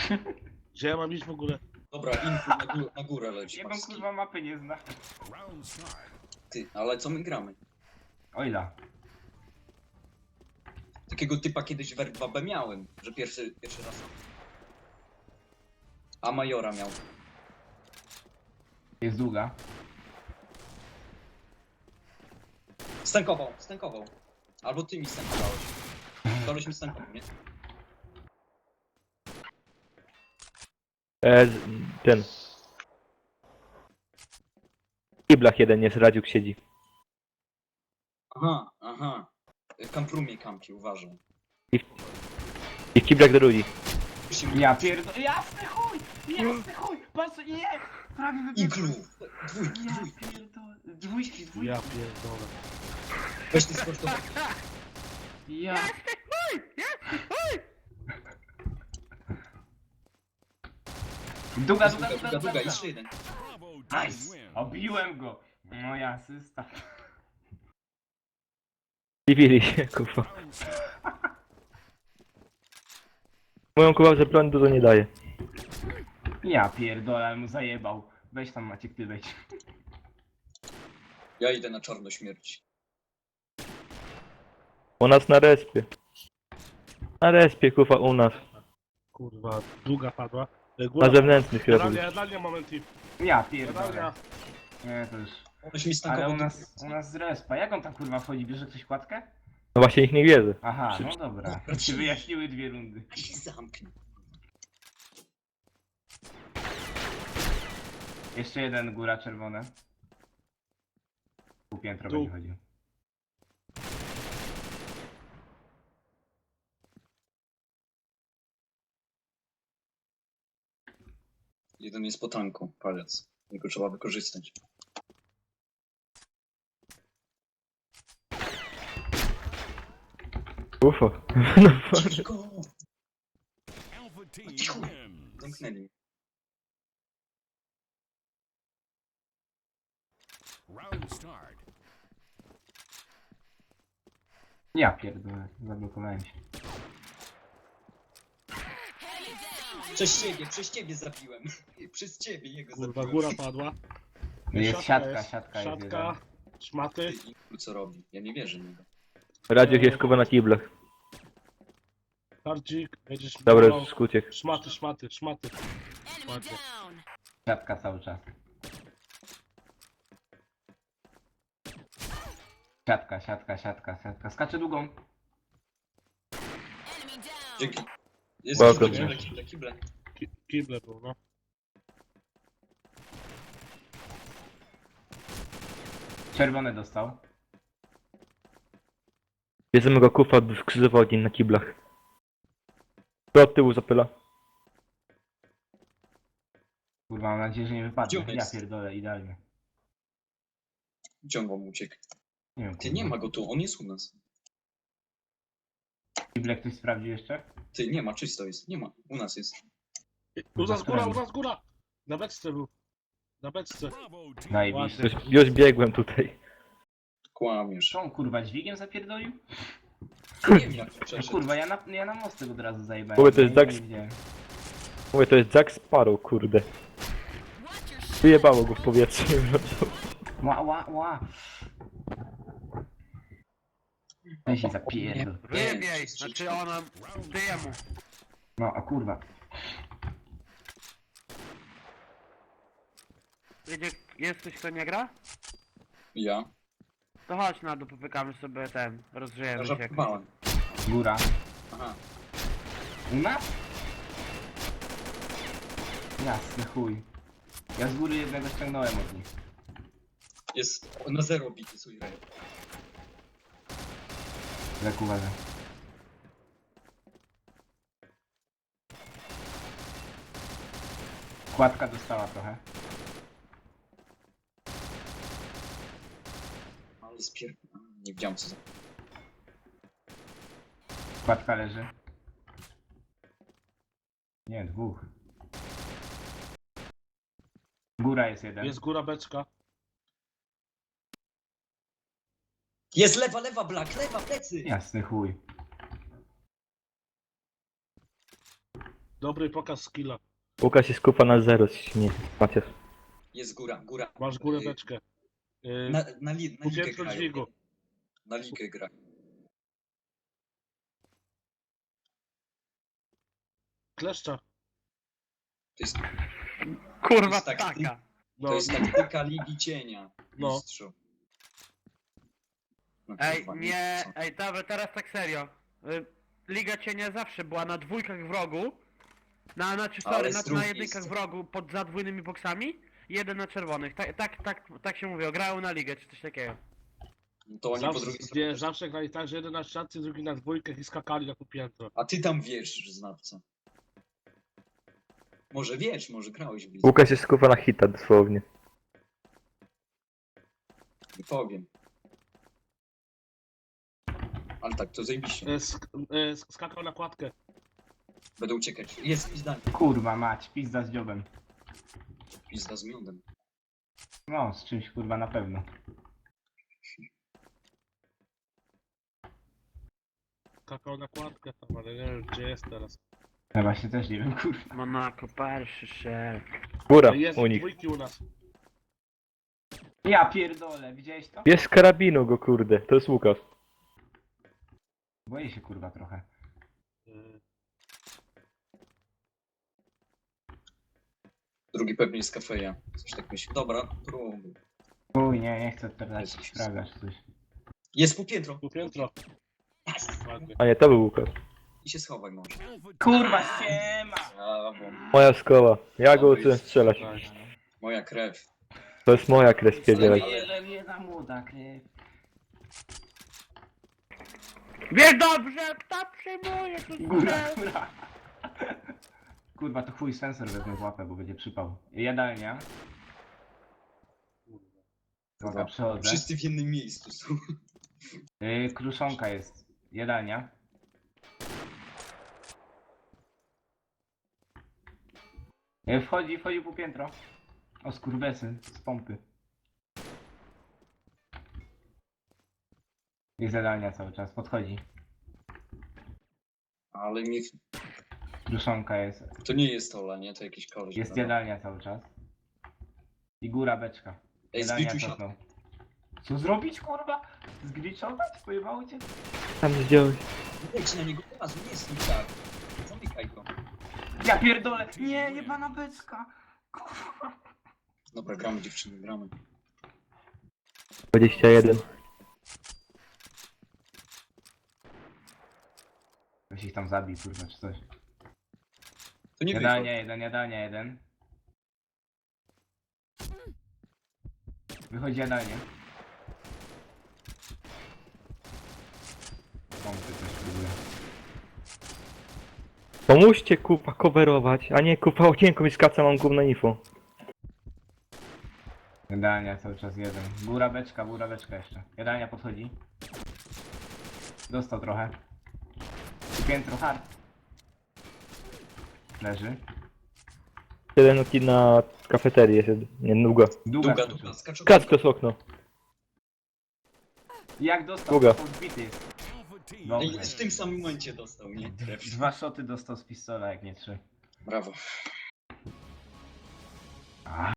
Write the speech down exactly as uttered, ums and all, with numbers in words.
Gdzie ja mam iść w ogóle? Dobra, info na, gó na górę leci. Jedną paski. kurwa mapy nie zna. Ty, ale co my gramy? Ojla. Takiego typa kiedyś w R dwa B miałem, że pierwszy, pierwszy raz. A Majora miał. Jest długa. Stękował, stękował. Albo ty mi stękowałeś. Koleś mi stękował, nie? E, z- ten. W kiblach jeden jest, Radziuk siedzi. Aha, aha. W kamprumie kampi, uważaj. I w kiblach drugi. Ja pierdolę. Jasny chuj! Jasny chuj! Patrz, nie! Prawie Iglu! wybiegłem. Dwójki, Ja dwójki. pierdolę. Dwójki, dwójki. Ja pierdolę. Weź ty sportowy. Ja. Duga, duga, Duga, duga, duga, duga, duga. jeszcze jeden. Nice! Obiłem go. No ja asysta. Dziwili się, kurwa. Mówią, kurwa, że broń dużo nie daje. Ja pierdolę, ale mu zajebał. Weź tam Maciek, ty wejdź. Ja idę na czarno śmierć. U nas na respie. Na respie, kurwa, u nas. Kurwa, długa padła. E, Na Góra. zewnętrznych chyba. Jadalnia, jadalnia, moment i. Ja pierdolę. Jadalnia. Nie, to już... Weź mi Ale stękował. u nas, u nas z respa. Jak on tam kurwa wchodzi? Bierze ktoś kładkę? No właśnie ich nie wierzę. Aha, no dobra. To się wyjaśniły dwie rundy. I się zamknij. Jeszcze jeden góra czerwone. Pół piętro Dół. będzie chodził. Jeden jest po tanku, palec. Jego trzeba wykorzystać. Ufo. No, Cicho! Cicho! Zamknęli mnie. Ja pierdolę, zablokowałem się. Przez ciebie, przez ciebie zabiłem. Przez ciebie jego Kurwa, zabiłem. góra padła. Jest siatka, siatka jest Siatka, szmaty. Ty, Iglu, co robi? Ja nie wierzę w niego. Radziuk jest, kurwa, na kiblach. Hardzik, będziesz Dobra, miał- już skuciek. Szmaty, szmaty, szmaty. Ładnie. Siatka cały czas. Siatka, siatka, siatka, siatka. Skacze długą. Dzięki. Jest Welcome. kible, kible, kible. Ki- Kible był, no. Czerwony dostał. Bierzemy go, kurwa, w krzyżowy ogień na kiblach. To od tyłu zapyla. Kurwa, mam nadzieję, że nie wypadnie. Gdzie on Ja jest? pierdolę, idealnie. Ciągło mu uciekł. Nie wiem, Ty, kurwa. nie ma go tu, on jest u nas. Kible ktoś sprawdził jeszcze? Ty, nie ma, czysto jest. Nie ma, u nas jest. U nas góra, u nas góra! Na beczce był. Na beczce. Zajebiście. Już, już biegłem tutaj. Kłamiesz. Co on kurwa dźwigiem zapierdolił? Nie wiem jak to No, przeszedł. kurwa, ja na, ja na mostek od razu zajebałem. Kurwa, to jest Ja Jack- nie widziałem. Mówię, to jest Jack Sparrow, kurde. Wyjebało go w powietrze. Ła, ła, ła. Weź się zapierdol. Nie biej, znaczy ona... Ty jemu. No, a kurwa. Jedzie, jest ktoś, kto nie gra? Ja? To chodź na dół, popykamy sobie ten, Ja rozgrzejemy się. żartowałem. Góra. Aha. U nas? Jasny chuj. Ja z góry jednego ściągnąłem od nich. Jest na zero bity swój rej. Jak uważam. Kładka dostała trochę. Ale spier... Nie widziałem co za... Kładka leży. Nie, dwóch. Góra jest jeden. Jest góra, beczka. Jest lewa, lewa, Black, lewa, plecy! Jasny chuj. Dobry pokaz skilla. Łukasz jest kupa na zero, nie Maciasz. Jest góra, góra. Masz górę beczkę. Yy, Na, na, li, na po ligę pierwszym grają. dźwigu. Na ligę gra. Kleszcza. To jest, Kurwa, jest tak- taka. No, to jest taktyka Ligi Cienia. No. Mistrzu. No, Ej, kurwa, nie, co? ej, dobra, teraz tak serio. Y, Liga Cienia zawsze była na dwójkach wrogu. Na, znaczy, Ale sorry, z na, na drugiej jedynkach strony. wrogu pod zadwójnymi boksami. Jeden na czerwonych. Tak, tak, tak, tak się mówiło. Grają na ligę, czy coś takiego. To oni po zawsze, drugiej nie, stronie. zawsze grali tak, że jeden na szatce, drugi na dwójkach i skakali na to piętro. A ty tam wiesz, że znawca. Może wiesz, może grałeś w lidze. Łukasz jest kupa na hita dosłownie. Nie powiem. Ale tak, to zajebiście. Yy, sk yy, sk- skakał na kładkę. Będę uciekać. Jest pizdanie. Kurwa mać, pizda z dziobem. Pizda z miodem. No, z czymś kurwa na pewno. Skakał na kładkę tam, ale nie wiem gdzie jest teraz. Ja właśnie też nie wiem, kurwa. Monaco, pierwszy szef. Góra Jest u nich. dwójki u nas. Ja pierdolę, widziałeś to? Jest z karabinu go kurde, to jest Łukasz. Boję się kurwa trochę. Yy, Drugi pewnie jest kafeja. Coś tak myśli. Dobra, próbuj. Uj, nie, nie chcę teraz Jezus. sprawdzać coś. Jest półpiętro. tu piętro. Ładnie. A nie, to był Łukasz. I się schowaj może. Kurwa, siema! Brawo. Moja szkoła. Ja go uczyłem strzelać. Moja krew. To jest moja krew spierdzielać. Jedna młoda krew. Wie dobrze, kto przyjmuje tu Góra, strzel. góra. Kurwa, to chuj sensor wezmę w łapę, bo będzie przypał. Jadalnia. Dobra, przechodzę. Wszyscy w jednym miejscu są. Yy, kruszonka jest. Jadalnia. Yy, wchodzi, wchodzi po piętro. O skurwesy z pompy. Jest jadalnia cały czas, podchodzi. Ale mi... Kruszonka jest. To nie jest Ola, nie? To jakiś koleś. Jest prawda? jadalnia cały czas. I góra beczka. Ej, Jadalnia zgliczuj się. cofnął. Co zrobić kurwa? Zgliczować? Pojebało cię? Tam zdjąłeś. Leć na niego od razu, nie jest mi tak. Zamykaj go. Ja pierdolę! Nie, jebana beczka! Kurwa. Dobra, gramy dziewczyny, gramy. dwadzieścia jeden. Weź ich tam zabij kurwa czy coś. To nie Jadalnia wychodzi. jeden, jadalnia jeden. Wychodzi jadalnia. Pompy też próbuję. Pomóżcie kupa coverować, a nie kupa okienko mi skaca, mam gówno info. Jadalnia cały czas jeden. Góra beczka, góra beczka jeszcze. Jadalnia podchodzi. Dostał trochę. I piętro hard. Leży. Jeden oki na kafeterii jest, nie, długo. Długa, Długa, skoczył. długa, skacz Skacz przez okno. Jak dostał? Długa. To zbity jest. Ej, Dobrze. w tym samym momencie dostał, nie? Krew. Dwa szoty dostał z pistola, jak nie trzy. Brawo.